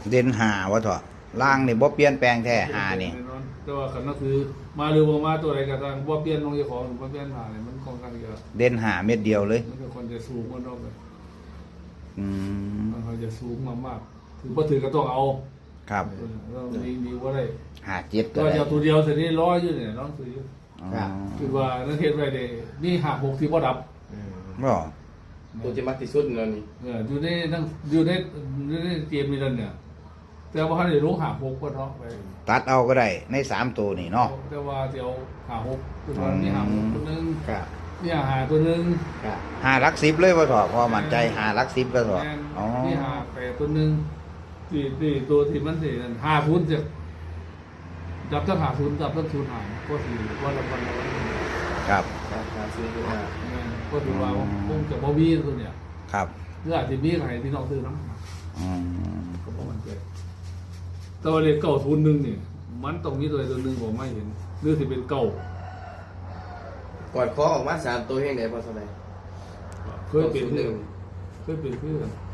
เด่น5วะเถาะล่างนี่บ่เปลี่ยนแปลงแท้5นี่แน่นอนแต่ว่าคันก็คือมาหรือบ่มาตัวใดก็ตามบ่เปลี่ยนของเจ้าของบ่เปลี่ยนหาเนี่ยมันค่อนข้างจะเด่น5เม็ดเดียวเลยมันก็คนจะสูงกว่าดอกเลยอืมมันจะสูงมากๆถือบ่ถือก็ต้องเอาครับเรามีบ่ได้ 57ก็ก็ได้จะเอาตัวเดียวเสร็จนี่ร้อยอยู่เนี่ยน้องซื้ออยู่อ๋อคือว่านักเทศไว้ได้นี่5 6ที่บ่ดับบ่ตัวจะมักที่สุดแล้วนี่อยู่ในนั่งอยู่ในเกมนี้นั่นเนี่ยแต่ว่าเขาได้ลง5 6ก็เนาะไปตัดเอาก็ได้ใน3ตัวนี่เนาะแต่ว่าเดี๋ยว5 6ตัวนี้5 6ตัวนึงครับนี่หาตัวนึงครับ 5หลัก10เลยบ่เถาะพอมั่นใจ5หลัก10ก็เถาะอ๋อนี่หา8ตัวนึงที่ตัวที่มันสินั่น50จะดับทั้ง50ดับทั้ง0หารก็สิว่าละวันละวันครับครับซื้ออยู่อ่ะก็ถือว่าคงจะบ่มีตัวเนี่ยครับหรืออาจจะมีใครที่น้องซื้อน้ำอืมก็บอกมันเกิดแต่ว่าเลข901นี่มันต้องมีตัวใดตัวหนึงผมไม่เห็นหรือสิเป็นเก้ากอดคอออกมา3ตัวเฮงได้พอเท่าไหร่เคยเป็นเพื่อนเคยเป็นเพื่อน